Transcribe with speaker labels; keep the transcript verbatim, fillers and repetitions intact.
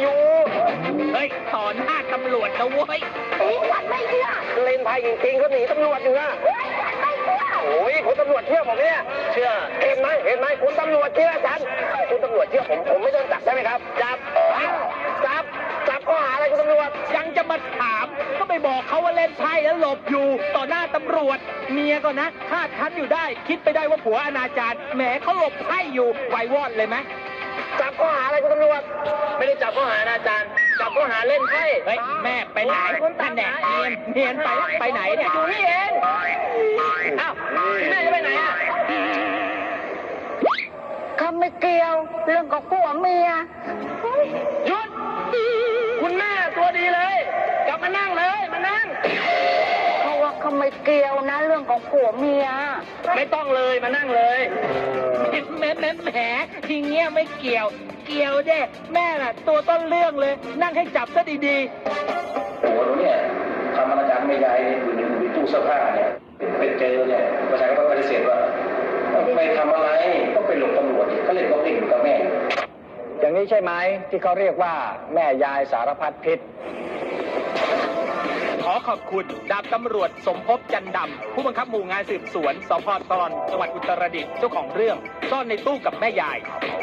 Speaker 1: อยู่
Speaker 2: เฮ้ยต่อหน้าตำรวจนะเว้ย
Speaker 3: วัดไม่เชื่อ
Speaker 1: เล่นไพ่จริงๆเขาหนีตำรวจอยู่นะ
Speaker 3: ไม่เชื่อ
Speaker 1: โอ้ยคุณตำรวจเชื่อผมเนี่ยเชื่อเห็นไหมเห็นไหมคุณตำรวจเชื่อฉันคุณตำรวจเชื่อผมผมไม่โดนจับใช่ไหมครับจับจับจับข้อหาอะไรคุณตำรวจ
Speaker 2: ยังจะมาถามก็ไปบอกเขาว่าเล่นไพ่แล้วหลบอยู่ต่อหน้าตำรวจเมียก็นะคาดคั้นอยู่ได้คิดไปได้ว่าผัวอนาจารแหมเขาหลบไพ่อยู่ไววอดเลยไหม
Speaker 1: จับข้อหาอะไรคุณตำรวจไม่ได้จับข้อหาอาจารย์จับข้อหาเล่นไพ่
Speaker 2: เฮ้ยแม่ไปไหนท่านแหนเนียนเนียนไปไปไหนเนี่ย
Speaker 1: อยู่นี่เองอ้าวแม่จะไปไหนอ่ะ
Speaker 3: เขาไม่เกี่ยวเรื่องของผัวเมีย
Speaker 1: หยุดคุณแม่ตัวดีเลยกลับมานั่งเลยมานั่ง
Speaker 3: เพราะว่าเขาไม่เกี่ยวนะเรื่องของผัวเมีย
Speaker 1: ไม่ต้องเลยมานั่งเลย
Speaker 2: แหมแหมแหมทีเงี้ยไม่เกี่ยว เกี่ยวเด้แม่น่ะตัวต้นเรื่องเลยนั่งให้จับซะดีๆ
Speaker 4: หัวหนูเนี่ยทำอนาจารไม่ยายอยู่ในอยู่ในตู้เสื้อผ้าเนี่ยไปเจอเนี่ยประชาชนก็ปฏิเสธว่าไม่ทำอะไรก็ไปหลบตำรวจเขาเล่นบ็อกซิ่งอยู่กับแม่อย่างนี้ใช่ไหมที่เขาเรียกว่าแม่ยายสารพัดพิษ
Speaker 2: ขอขอบคุณดาบตำรวจสมภพจันดำผู้บังคับหมู่งานสืบสวนสพตรจังหวัดอุตรดิตถ์เจ้าของเรื่องซ่อนในตู้กับแม่ยาย